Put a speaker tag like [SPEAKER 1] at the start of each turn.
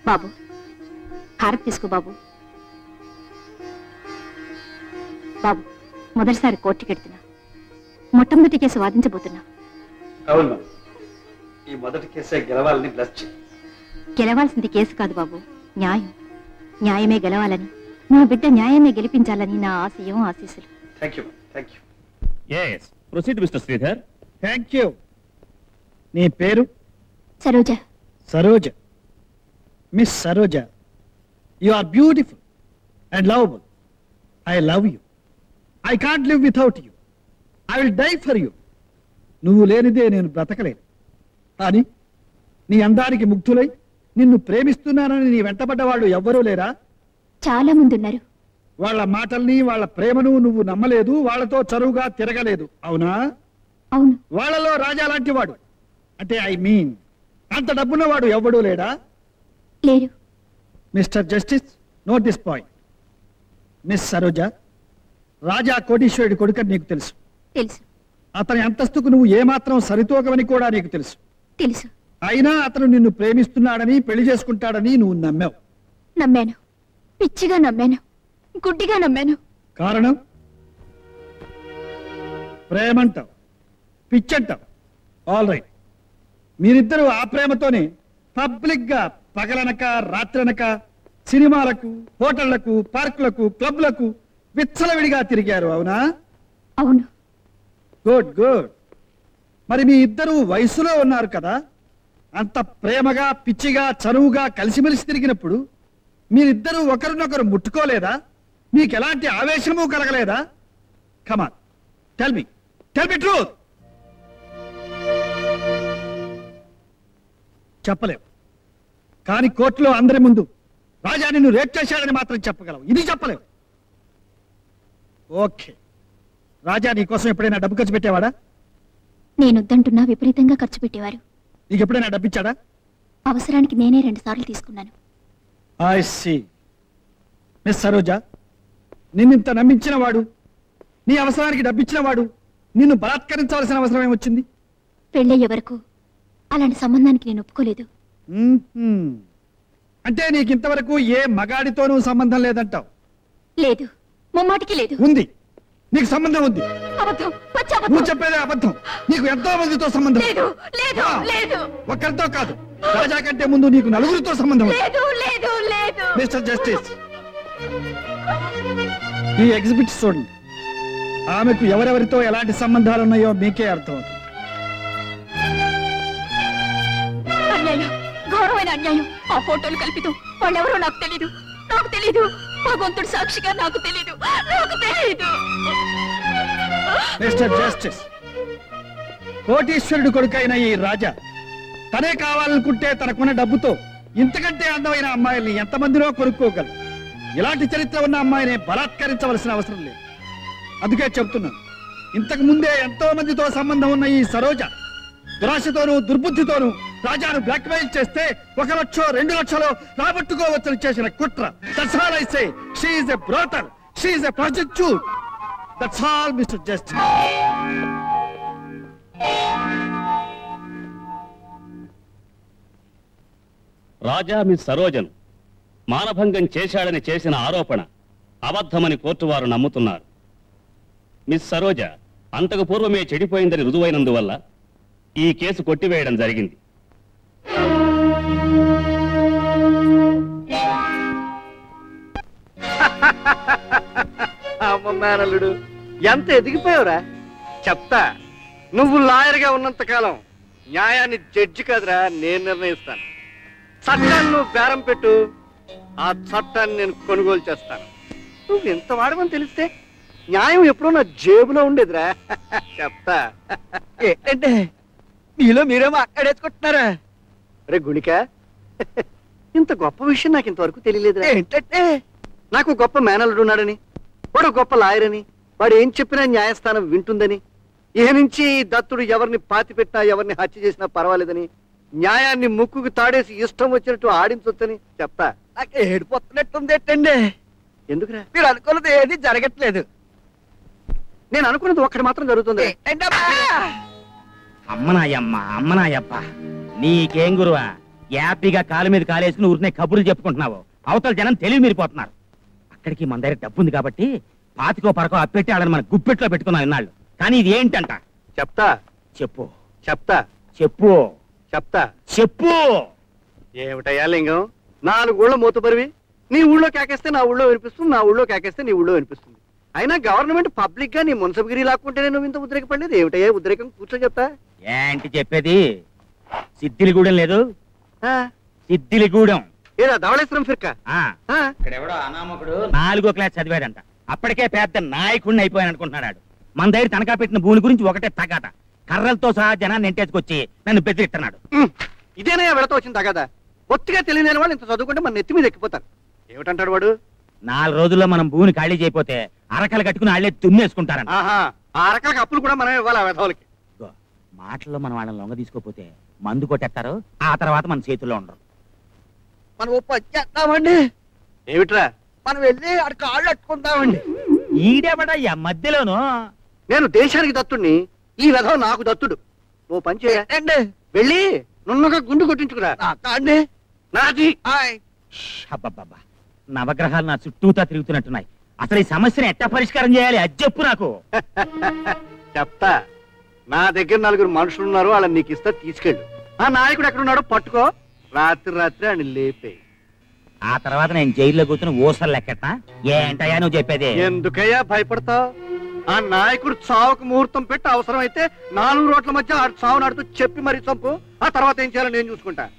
[SPEAKER 1] బాబు హారతి తీసుకో బాబు. బాబు మొదటిసారి కోర్టుకెడుతున్నా, మొట్టమొదటి కేసు వాదించబోతున్నా.
[SPEAKER 2] అవును, ఈ మొదటి కేసే గెలవాలని బ్లెస్ చేయి.
[SPEAKER 1] గెలవాల్సింది కేసు కాదు బాబు, న్యాయం. న్యాయమే గెలవాలని, నా బిడ్డ న్యాయమే గెలిపించాలని నా ఆశయం, ఆశీస్సులు.
[SPEAKER 2] Thank you, thank you.
[SPEAKER 3] Yes, proceed, Mr. Sridhar.
[SPEAKER 4] Thank you. నీ పేరు?
[SPEAKER 1] Saroja.
[SPEAKER 4] Saroja. Miss Saroja, you are beautiful and lovable. I love you. I can't live without you. I will die for you. నువ్వు లేనిదే నేను బ్రతకలేను. కానీ నీ అందానికి ముగ్ధులై నిన్ను ప్రేమిస్తున్నానని నీ వెంటబడ్డ వాళ్ళు ఎవ్వరూ లేరా?
[SPEAKER 1] చాలా మంది ఉన్నారు.
[SPEAKER 4] వాళ్ళ మాటల్ని, వాళ్ళ ప్రేమను నువ్వు నమ్మలేదు, వాళ్ళతో చరువుగా తిరగలేదు, అవునా?
[SPEAKER 1] అవును.
[SPEAKER 4] వాళ్ళలో రాజా లాంటి వాడు, అంటే ఐ మీన్ అంత డబ్బున్నవాడు ఎవ్వడూ లేడా?
[SPEAKER 1] లేరు.
[SPEAKER 4] Mister justice, note this point. Miss Saroja, Raja కోటీశ్వరుడి కొడుకని నీకు తెలుసు.
[SPEAKER 1] తెలుసు.
[SPEAKER 4] అతని అంతస్తుకు నువ్వు ఏమాత్రం సరితూగవని కూడా నీకు తెలుసు.
[SPEAKER 1] తెలుసు.
[SPEAKER 4] అయినా అతను నిన్ను ప్రేమిస్తున్నాడని, పెళ్లి చేసుకుంటాడని నువ్వు నమ్మావు.
[SPEAKER 1] నమ్మాను. పిచ్చిగా నమ్మాను. గుడ్డిగా నమ్మాను.
[SPEAKER 4] కారణం? ప్రేమంటావు, పిచ్చంటావు. ఆల్ రైట్, మీరిద్దరూ ఆ ప్రేమతోనే పబ్లిక్ గా పగలనక రాత్రనక సినిమాలకు, హోటళ్లకు, పార్కులకు, క్లబ్లకు విచ్చలవిడిగా తిరిగారు, అవునా?
[SPEAKER 1] అవును.
[SPEAKER 4] Good good. మరి మీ ఇద్దరు వయసులో ఉన్నారు కదా, అంత ప్రేమగా, పిచ్చిగా, చనువుగా కలిసిమెలిసి తిరిగినప్పుడు మీరిద్దరూ ఒకరినొకరు ముట్టుకోలేదా? మీకు ఎలాంటి ఆవేశము కలగలేదా? కమాన్, టెల్ మీ ట్రూత్. చెప్పలేవు, కానీ కోర్టులో అందరి ముందు రాజా నిన్ను రేప్ చేశాడని మాత్రం చెప్పగలవు. ఇది చెప్పలేవు. ఓకే, రాజా నీ కోసం ఎప్పుడైనా డబ్బు ఖర్చు పెట్టేవాడా?
[SPEAKER 1] నేనొద్దంటున్నా విపరీతంగా ఖర్చు పెట్టేవారు.
[SPEAKER 4] నీకు ఎప్పుడైనా డబ్బిచ్చాడా?
[SPEAKER 1] అవసరానికి నేనే 2 సార్లు తీసుకున్నాను.
[SPEAKER 4] I see. మిస్ సరోజ, నిన్నింత నమ్మించిన వాడు, నీ అవసరానికి డబ్బిచ్చిన వాడు నిన్ను బలాత్కరించవలసిన అవసరం ఏమొచ్చింది?
[SPEAKER 1] పెళ్ళయ్యే వరకు అలాంటి సంబంధానికి నేను ఒప్పుకోలేదు.
[SPEAKER 4] అంటే నీకు ఇంతవరకు ఏ మగాడితోనూ సంబంధం లేదంటావు?
[SPEAKER 1] లేదు, ముమ్మాటికి లేదు.
[SPEAKER 4] ఉంది, నీకు సంబంధం ఉంది.
[SPEAKER 1] అబద్ధం, పచ్చి అబద్ధం.
[SPEAKER 4] నువ్వు చెప్పేదే అబద్ధం. నీకు ఎంతో మందితో సంబంధం.
[SPEAKER 1] లేదు, లేదు,
[SPEAKER 4] ఆ,
[SPEAKER 1] లేదు.
[SPEAKER 4] ఒక్కరితో కాదు, రాజా కంటే ముందు నీకు 4గురితో సంబంధం ఉంది.
[SPEAKER 1] లేదు, లేదు, లేదు.
[SPEAKER 4] మిస్టర్ జస్టిస్, ఈ ఎగ్జిబిట్ చూడండి. ఆమెకు ఎవరెవరితో ఎలాంటి సంబంధాలు ఉన్నాయో మీకే అర్థమవుతుంది.
[SPEAKER 1] అన్యాయం, ఘోరమైన అన్యాయం. ఆ ఫోటోలు కల్పితం. వాళ్ళెవరో నాకు తెలీదు. నాకు తెలీదు. భగవంతుడు సాక్షిగా నాకు తెలీదు. నాకు తెలీదు.
[SPEAKER 4] మిస్టర్ జస్టిస్, కోటీశ్వరుడు కొడుకైన ఈ రాజా తనే కావాలనుకుంటే తనకున్న డబ్బుతో ఇంతకంటే అందమైన అమ్మాయిల్ని ఎంతమందినో కొనుక్కోగలరు. ఇలాంటి చరిత్ర ఉన్న అమ్మాయిని బలాత్కరించవలసిన అవసరం లేదు. అందుకే చెప్తున్నాను, ఇంతకు ముందే ఎంతో మందితో సంబంధం ఉన్న ఈ సరోజ దురాశతోనూ దుర్బుద్ధితోనూ రాజాను బ్లాక్మెయిల్ చేస్తే 1 లక్షో 2 లక్షలో రాబట్టుకోవచ్చని చేసిన కుట్ర. That's all I say. She is a brothel. She is a prostitute. That's all, Mr. Justice.
[SPEAKER 3] Raja miss సరోజను మానభంగం చేశాడని చేసిన ఆరోపణ అబద్ధమని కోర్టు వారు నమ్ముతున్నారు. మిస్ సరోజ అంతకు పూర్వమే చెడిపోయిందని రుజువైనందువల్ల ఈ కేసు కొట్టివేయడం జరిగింది.
[SPEAKER 2] అమ్మ మేనల్లుడు, ఎంత ఎదిగిపోయావురా. చెప్తా, నువ్వు లాయర్గా ఉన్నంత కాలం న్యాయాన్ని జడ్జి కాదురా నేను నిర్ణయిస్తాను. చట్టాన్ని నువ్వు బేరం పెట్టు, ఆ చట్టాన్ని నేను కొనుగోలు చేస్తాను. నువ్వు ఎంత వాడమని తెలిస్తే న్యాయం ఎప్పుడో నా జేబులో ఉండేదిరా. చెప్తా. ఏంటంటే మీలో మీరేమో అక్కడేసుకుంటున్నారా? రే గుణిక, ఇంత గొప్ప విషయం నాకు ఇంతవరకు తెలియలేదురా. ఏంటంటే నాకు గొప్ప మేనల్లుడు ఉన్నాడని, వాడు గొప్ప లాయర్ అని, వాడు ఏం చెప్పినా న్యాయస్థానం వింటుందని, ఇహ నుంచి దత్తుడు ఎవరిని పాతి పెట్టినా ఎవరిని హత్య చేసినా పర్వాలేదని, న్యాయాన్ని ముక్కుకు తాడేసి ఇష్టం వచ్చినట్టు ఆడించొచ్చని చెప్తా. నాకు ఏడిపోతున్నట్టుంది. ఏంటండి ఎందుకురా? మీరు అనుకున్నది ఏది జరగట్లేదు. నేను అనుకున్నది ఒక్కటి మాత్రం జరుగుతుంది.
[SPEAKER 5] అమ్మనాయమ్మ అమ్మనాయప్ప, నీకేం గురువా? యాపీగా కాలు మీద కాలేసుకుని ఊరినే కబుర్లు చెప్పుకుంటున్నావు అవతల జనం తెలివి మీరిపోతున్నారు. అక్కడికి మన దగ్గర డబ్బు ఉంది కాబట్టి పాతికో పరకో అప్పెట్టి వాళ్ళని మన గుప్పెట్లో పెట్టుకున్నాం ఇన్నాళ్ళు. కానీ ఇది ఏంటంట?
[SPEAKER 2] చెప్తా
[SPEAKER 5] చెప్పు
[SPEAKER 2] చెప్తా
[SPEAKER 5] చెప్పు
[SPEAKER 2] చెప్తా.
[SPEAKER 5] చెప్పు.
[SPEAKER 2] ఏమిటయ్యా లింగం, 4 ఊళ్ళో మూతబరివి. నీ ఊళ్ళో కేకేస్తే నా ఊళ్ళో వినిపిస్తుంది, నా ఊళ్ళో కేకేస్తే నీ ఊళ్ళో వినిపిస్తుంది. అయినా గవర్నమెంట్ పబ్లిక్ గా నీ మున్సబగిరి లాక్కుంటేనే నువ్వు ఇంత ఉద్రేకపడలేదు. ఏమిటయ్యా ఉద్రేకం? కూర్చో చెప్తా.
[SPEAKER 5] ఏంటి చెప్పేది? సిద్ధిలిగూడెం లేదు,
[SPEAKER 2] ఆ,
[SPEAKER 5] సిద్ధిలిగూడెం.
[SPEAKER 2] ఏదా ధవళేశ్వరం ఫిర్కా?
[SPEAKER 5] ఆ,
[SPEAKER 2] ఆ,
[SPEAKER 5] ఇక్కడెవడో అనామకుడు 4వ క్లాస్ చదివాడంట. అప్పటికే పెద్ద నాయకుడిని అయిపోయాను అనుకుంటున్నాడు. మన దగ్గర తనఖా పెట్టిన భూమి గురించి ఒకటే తగాట. కర్రలతో సహా జనాన్ని ఎంటేసుకొచ్చి నన్ను బెదిరిస్తున్నాడు.
[SPEAKER 2] ఉమ్, ఇదేనయ్యా వెళతో వచ్చింది తగదా. ఒత్తిగా తెలియని వాళ్ళు ఇంత చదువుకుంటే మన నెత్తి మీద ఎక్కిపోతారు. ఏమిటంటాడు వాడు?
[SPEAKER 5] 4 రోజుల్లో మనం భూమిని ఖాళీ చేయకపోతే అరకలు కట్టుకుని వాళ్ళే తుమ్మేసుకుంటారంట.
[SPEAKER 2] ఆహా, ఆ రకాల అప్పులు కూడా మనం ఇవ్వాలి ఆ వెధవులకి.
[SPEAKER 5] ఇదిగో, మాటల్లో మనం వాళ్ళని లొంగ తీసుకోపోతే మందు కొట్టేస్తారు. ఆ తర్వాత మన చేతుల్లో ఉండరు.
[SPEAKER 2] మనం ఓ పని చేద్దామండి. ఏమిట్రా?
[SPEAKER 4] మనం వెళ్ళి అక్కడ కాళ్ళు అట్టుకుందామండి.
[SPEAKER 5] ఈడేబడయ్యా మధ్యలోను.
[SPEAKER 2] నేను దేశానికి దత్తుడిని, ఈ వెధవ నాకు దత్తుడు. ఓ పని చేయ, వెళ్ళి నున్నగా గుండు కొట్టించుకురా. నాది.
[SPEAKER 5] అబ్బబ్బబ్బా, నవగ్రహాలు నా చుట్టూతా తిరుగుతున్నట్టున్నాయి. అసలు ఈ సమస్యను ఎట్టా పరిష్కారం చేయాలి అది చెప్పు నాకు.
[SPEAKER 2] చెప్తా. నా దగ్గర 4 మనుషులు ఉన్నారు, వాళ్ళని నీకు ఇస్తా, తీసుకెళ్ళు. ఆ నాయకుడు ఎక్కడున్నాడో పట్టుకో, రాత్రి ఆయన లేపే.
[SPEAKER 5] ఆ తర్వాత నేను జైల్లో కూర్చుని ఊసలు లెక్కట. ఏంటయ్యా నువ్వు చెప్పేది?
[SPEAKER 2] ఎందుకయ్యా భయపడతావు? ఆ నాయకుడు చావుకు ముహూర్తం పెట్టి అవసరం అయితే 4 రోడ్ల మధ్య ఆ చావు నాడుతూ చెప్పి మరీ చంపు. ఆ తర్వాత ఏం చేయాలో నేను చూసుకుంటా.